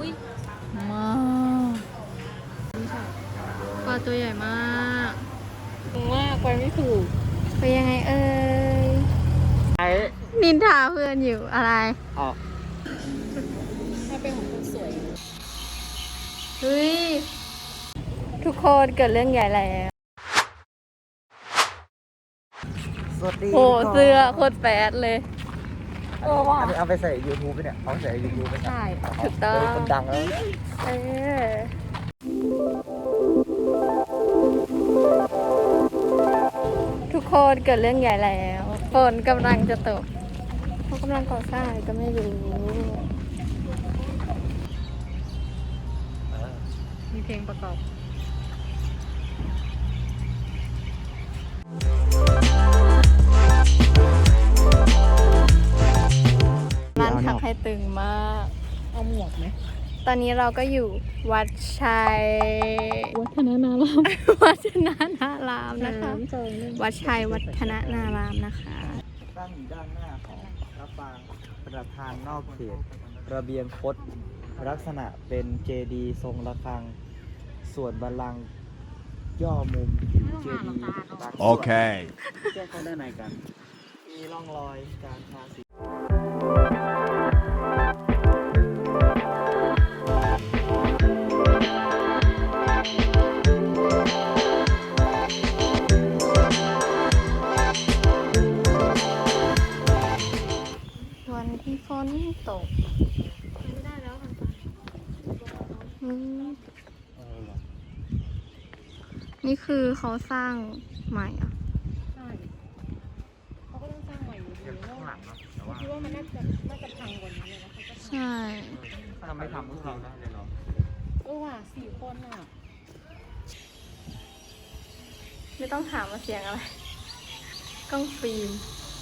อุ้ยมากปลาตัวใหญ่มากมากไปไม่ถูกไปยังไงเอ่ยนินทาเพื่อนอยู่อะไรอ๋อถ้าเป็นของคนสวยเฮ้ยทุกคนเกิดเรื่องใหญ่แล้วสวัสดีโอ้เสื้อโคตรแปดเลยอันนี้เอาไปใส่ YouTube ไปเนี่ยเอาใส่ YouTube ไปใช่ถูกต้องคนดังแล้วทุกคนเกิดเรื่องใหญ่แล้วฝนกำลังจะตกเขากำลังก่อสร้างก็ไม่รู้มีเพลงประกอบร้านขับให้ตึงมากเอาหมวกไหมตอนนี้เราก็อยู่วัดชัยวัฒนานารามวัฒนานารามนะคะวัดชัยวัฒนานารามนะคะตั้งอยู่ด้านหน้าของพระปรางประธานนอกเขตระเบียงคดลักษณะเป็นเจดีย์ทรงระฆังส่วนบัลลังก์ย่อมุมเจดีย์โอเคแจ้งเข้าด้านในกันมีร่องรอยการทาสีวันที่ฝนตกไม่ได้แล้วนี่คือเขาสร้างใหม่อ่ะใช่เขาก็ต้องสร้างใหม่อยู่ดีข้างหลังเนาะแต่ว่าคิดว่ามันน่าจะพังกว่านี้เลยนะใช่ถ้าไม่ทำก็เราได้เลยเนาะว่ะ4 คนอ่ะไม่ต้องถามว่าเสียงอะไรกล้องฟิล์ม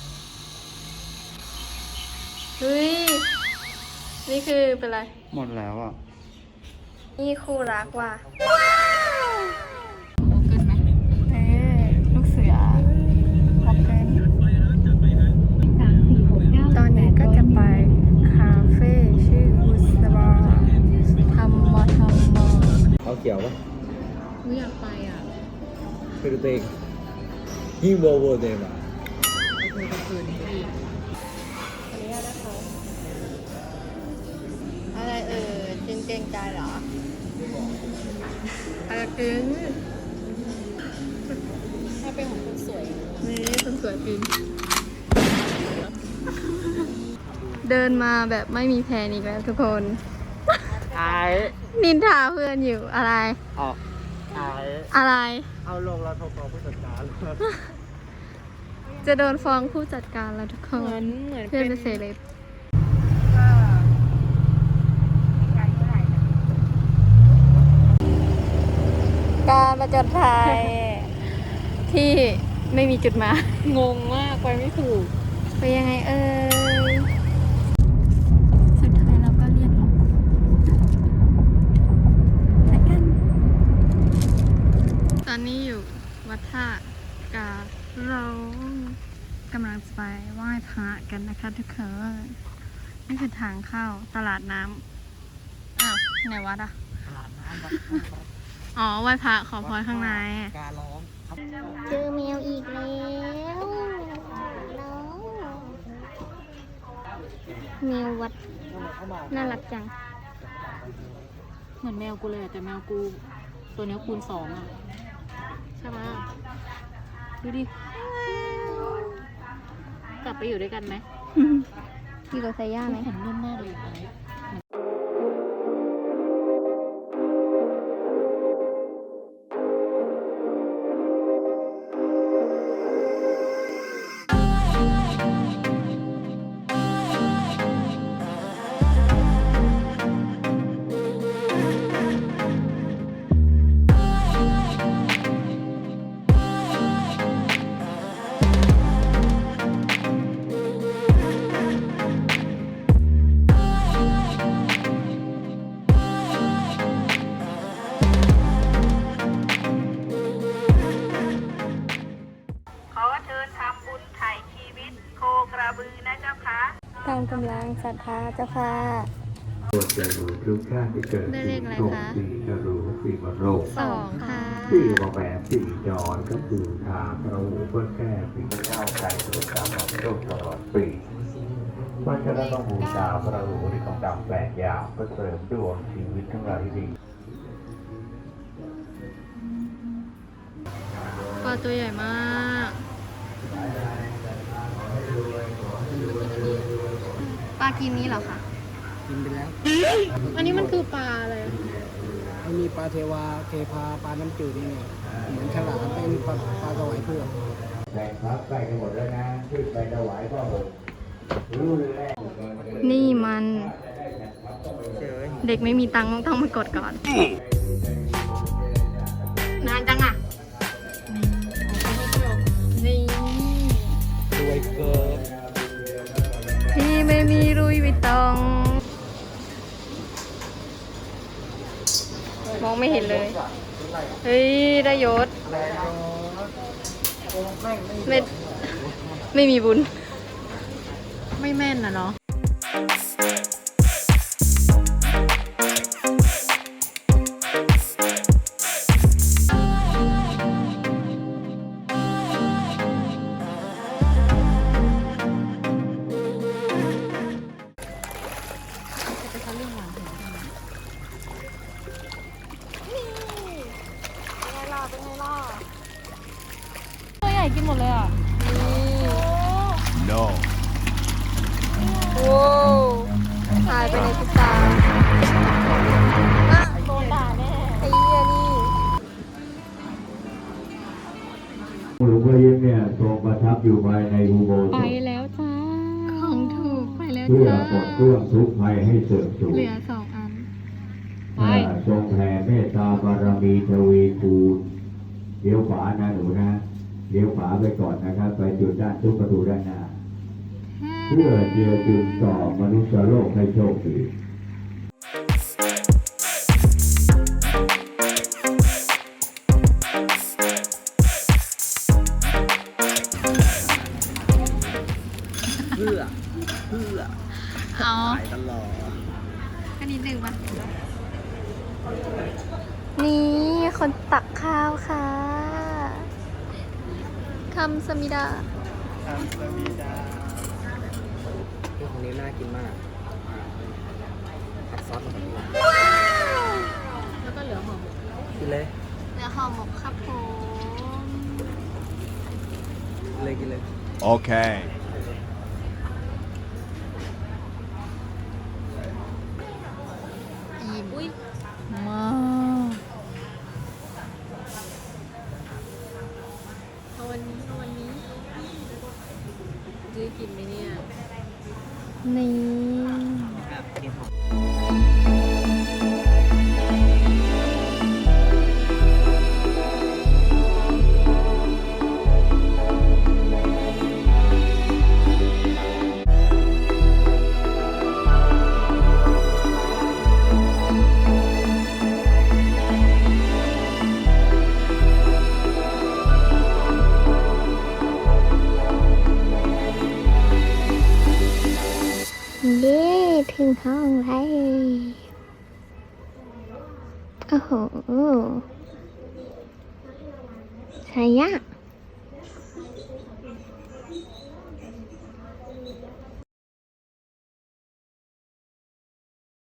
เฮ้ยนี่คือเป็นไรหมดแล้วอ่ะนี่คู่รักว่ะโอเกินไหมลูกเสือโอเกินตอนนี้ก็จะไปคาเฟ่ชื่ออุสบาทำมอเอาเกี่ยวปะอยากไปอ่ะไปดูตัวเองยิ่งโวโวเดมอ่ะไปคุยกับคืนอีกอะไรจินเกรงใจเหรออะไรกินถ้าเป็นของคนสวยนี่คนสวยกินเดินมาแบบไม่มีแพนอีกแล้วทุกคนนินทาเพื่อนอยู่อะไรอ๋ออะไรเอาลงเราโทรฟ้องผู้จัดการจะโดนฟ้องผู้จัดการแล้วทุกคนเพื่อนเป็นเซเลบการประจนภัยที่ไม่มีจุดหมายงงมากไปไม่ถูกไปยังไงเอ่ยสุดท้ายเราก็เรียกไปกันตอนนี้อยู่วัดท่ากาเรากำลังจะไปไหว้พระกันนะคะทุกคนนี่คือทางเข้าตลาดน้ำอ้าวไหนวัดอ่ะตลาดน้ำวัดอ๋อไหว้พระขอพรข้างในการร้องเจอแมวอีกแล้วแมววัดน่ารักจังเหมือนแมวกูเลยแต่แมวกูตัวนี้คูณ2อ่ะใช่ไหมดูดิกลับไปอยู่ด้วยกันไหมอยู่กับไซย่าไหมเห็นนุ่มมากเลยอะไรตามกำลังศรัทธาเจ้าค่ะจะรู้ทุกชาติที่เกิดได้เลขอะไรโรคคะปีจะรู้ปีมะโรค 2 ค่ะปีวะแหวนปีจรก็คือทางพระหูเพื่อแก้ปีเจ้าไก่ตัวกรรมโรคตลอดปีเพราะฉะนั้นต้องบูชาพระหูที่ของดำแปดอย่างเพื่อเสริมดวงชีวิตทั้งหลายให้ดีปลาตัวใหญ่มากปลากินนี้เหรอคะกินไปแล้วอันนี้มันคือปลาอะไรมันมีปลาเทวาเทพาปลาน้ำจืดนี่เนี่ยเหมือนฉลามเป็นปลาสวายเผือกแบ่งพักใกล้กันหมดแล้วนะที่ไปถวายพ่อผมรู้เลยแหละนี่มันเฉยเด็กไม่มีตังค์ต้องมากดก่อน นานจังอ่ะ นี่รวยเกินพี่ไม่มีรุยวิตตอง มองไม่เห็นเลย เฮ้ย ได้ยศไม่มีบุญ ไม่แม่นนะเนาะ ตัวใหญ่กินหมดเลยอ่ะ No. โว้หายไปในพริบตาโดนด่าแน่ไอ้เหี้ยนี่หลวงพ่อยิ้มเนี่ยทรงประทับอยู่ภายในอุโบสไปถแล้วจ้า ของถูกไปแล้วเพื่อจ้าปลดเครื่องทุกข์ภัยให้เสื่อมสูญเหลือ2 อัน ไปทรงแผ่เมตตาบารมีทวีคูณเลี้ยวขวานะหนูนะเลี้ยวขวาไปก่อนนะครับ ไปจุดด้านทุกประตูด้านหน้า เพื่อเจือจุนต่อมนุษยโลกให้โชคดีเพื่อเอาขายตลอดก็นิดนึงปะนี่คนตักข้าวค่ะคำสมิดาทำสวีดาตัวของนี้น่ากินมากผัดซอสแบบนี้แล้วก็เหลือห่อหมกกินเลยเหลือห่อหมกครับผมกินเลย Okay. อิ่มอุ้ยมากเอาวันนี้ซื้อกินไหมเนี่ยนี่กินหอมเย้ถึงห้องแล้วโอ้โหใช่ยาก